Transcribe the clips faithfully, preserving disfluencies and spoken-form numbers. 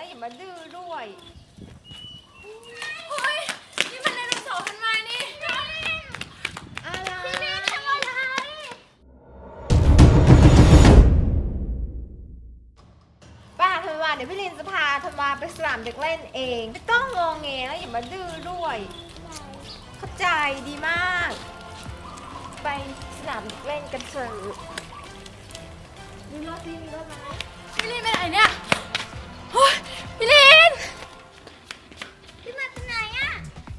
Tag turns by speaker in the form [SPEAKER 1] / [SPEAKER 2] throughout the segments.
[SPEAKER 1] อย่ามาดื้อด้วย
[SPEAKER 2] เฮ้ยนี่มันไดโนเสาร์ทันมานี่
[SPEAKER 1] อะไร
[SPEAKER 2] พี่เบนทำอะไร
[SPEAKER 1] ป้าธันวาเดี๋ยวพี่ลินจะพาธันวาไปสนามเด็กเล่นเองไม่ต้องงอแงแล้วอย่ามาดื้อด้วยเข้าใจดีมากไปสนามเด็กเล่นกันเถอะมีรถดีมีรถไหม
[SPEAKER 2] พี่ลินไปไหนเนี่ยเฮ้ยพี่ลินพี่มาจากไหนอะ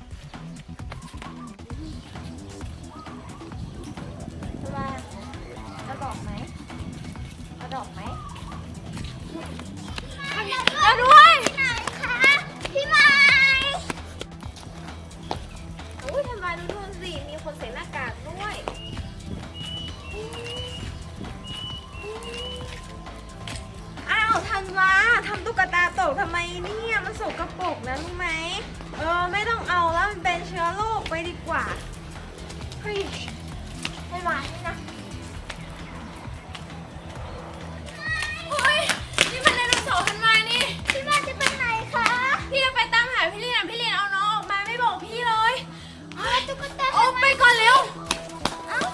[SPEAKER 1] ธันวาเอาดอกไหมเอาดอกไหม
[SPEAKER 2] แล้วด้วยไหนคะพี่ไม้
[SPEAKER 1] โอ้ยธันวาดูนู่นสิมีคนใส่หน้ากากด้วยอ้าวธันวาทำตุ๊กตาตกทำไมเนี่ยมันสกปรกนะรู้ไหมเออไม่ต้องเอาแล้วมันเป็นเชื้อโรคไปดีกว่าเฮ้ยธันวานี่นะ
[SPEAKER 2] เฮ้ยนี่มันไดโนเสาร์ทันมานี่พี่มาจะไปไหนคะพี่จะไปตามหาพี่ลินพี่ลินเอาน้องออกมาไม่บอกพี่เลยตุ๊กตาโอ้ไปก่อนเร็วเอ้า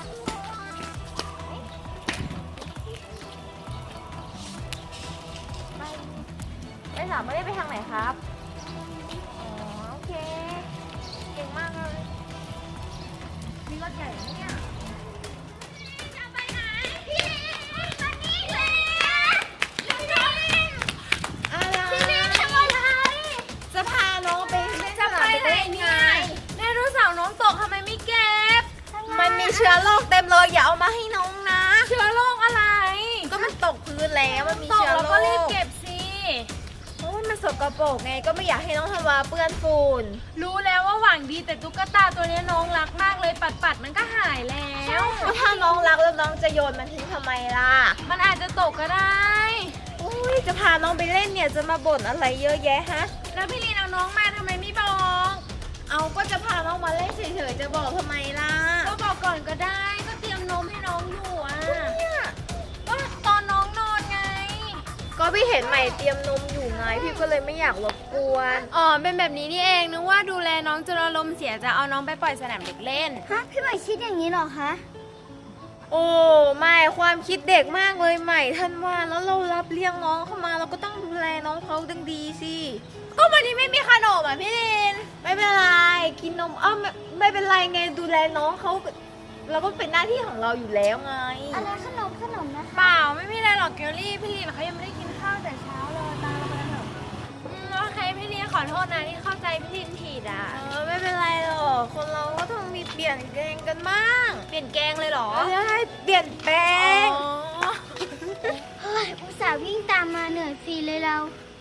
[SPEAKER 1] ไปสามไม่ได้ไปทางไหนครับอ๋อโอเคเก่งมากเลยมีรถใหญ่ไหมเนี่ย
[SPEAKER 2] จะไปไหนพี่ลินมานี่เลยพี่ลิน
[SPEAKER 1] อะไร
[SPEAKER 2] พี่ลินทำอะไร
[SPEAKER 1] จะพาน้องไปเล่นส
[SPEAKER 2] จะ
[SPEAKER 1] นา
[SPEAKER 2] ไป
[SPEAKER 1] ม
[SPEAKER 2] ไหน
[SPEAKER 1] เด็ก
[SPEAKER 2] เนี่ยไดโนเสาร์น้องตกทำไมไม่เก็บ
[SPEAKER 1] มันมีเชื้อโรคเต็มเลยอย่าเอามาให้น้องนะ
[SPEAKER 2] เชื้อโรคอะไร
[SPEAKER 1] ก็มันตกพื้นแล้วมันมี
[SPEAKER 2] ตก
[SPEAKER 1] เชื้อ
[SPEAKER 2] แล้ว
[SPEAKER 1] โร
[SPEAKER 2] ก็รีบ
[SPEAKER 1] ค
[SPEAKER 2] เก็บสิ
[SPEAKER 1] โอ้ยมันสกปรกไงก็ไม่อยากให้น้องธันวาเปื้อนฝุ่น
[SPEAKER 2] รู้แล้วว่าหวังดีแต่ตุ๊กตาตัวนี้น้องรักมากเลยปัดปัดๆมันก็หายแล้ว
[SPEAKER 1] ก็ถ้าน้องรักแล้วน้องจะโยนมันทิ้งทำไมล่ะ
[SPEAKER 2] มันอาจจะตกก็ได้
[SPEAKER 1] อุ้ยจะพาน้องไปเล่นเนี่ยจะมาบ่นอะไรเยอะแยะฮะ
[SPEAKER 2] แล้วพี่ลีนเอาน้องมาทำไมไม่บอก
[SPEAKER 1] เอาก็จะพาน้องมาเล่นเฉยๆจะบอกทำไมล่ะ
[SPEAKER 2] ก็บอกก่อนก็ได้ก็เตรียมนมให้น้องอยู่อ่ะ
[SPEAKER 1] เนี่ย
[SPEAKER 2] ก็ตอนน้องนอนไง
[SPEAKER 1] ก็พี่เห็นใหม่เตรียมนมอยู่ไงพี่ก็เลยไม่อยากรบกวน
[SPEAKER 2] อ๋อเป็นแบบนี้นี่เองนึกว่าดูแลน้องจนอารมณ์เสียจะเอาน้องไปปล่อยสนามเด็กเล่น
[SPEAKER 3] ฮะพี่ใหม่คิดอย่างนี้เหรอคะ
[SPEAKER 1] โอ้ไม่ความคิดเด็กมากเลยใหม่ท่านว่าแล้วเรารับเลี้ยงน้องเข้ามาเราก็ต้องดูแลน้องเขาดังดีสิ
[SPEAKER 2] ก็วันนี้ไม่มีขนมอ่ะพี่ลีน
[SPEAKER 1] ไม่เป็นไรกินนมอ้าวไม่ไม่เป็นไรไงดูแลน้องเขาเราก็เป็นหน้าที่ของเราอยู่แล้วไง
[SPEAKER 3] อะไรขนมขนมนะคะ
[SPEAKER 2] เปล่าไม่มีอะไรหรอกเกลลี่พี่ลีนเขายังไม่ได้กินข้าวแต่เช้าเลยตามเราไปกันเถอะอืมโอเคพี่ลีนขอโทษนะที่เข้าใจพี่ลีนผิดอ่ะ
[SPEAKER 1] เออไม่เป็นไรหรอกคนเราก็ต้องมีเปลี่ยนแปลงกันบ้าง
[SPEAKER 2] เปลี่ยนแกงเลยเหรอ
[SPEAKER 1] เออให้เปลี่ยนแปลง
[SPEAKER 2] อ๋อ
[SPEAKER 3] เฮ้ยอุตส่าห์วิ่งตามมาเหนื่อยฟรีเลยเรา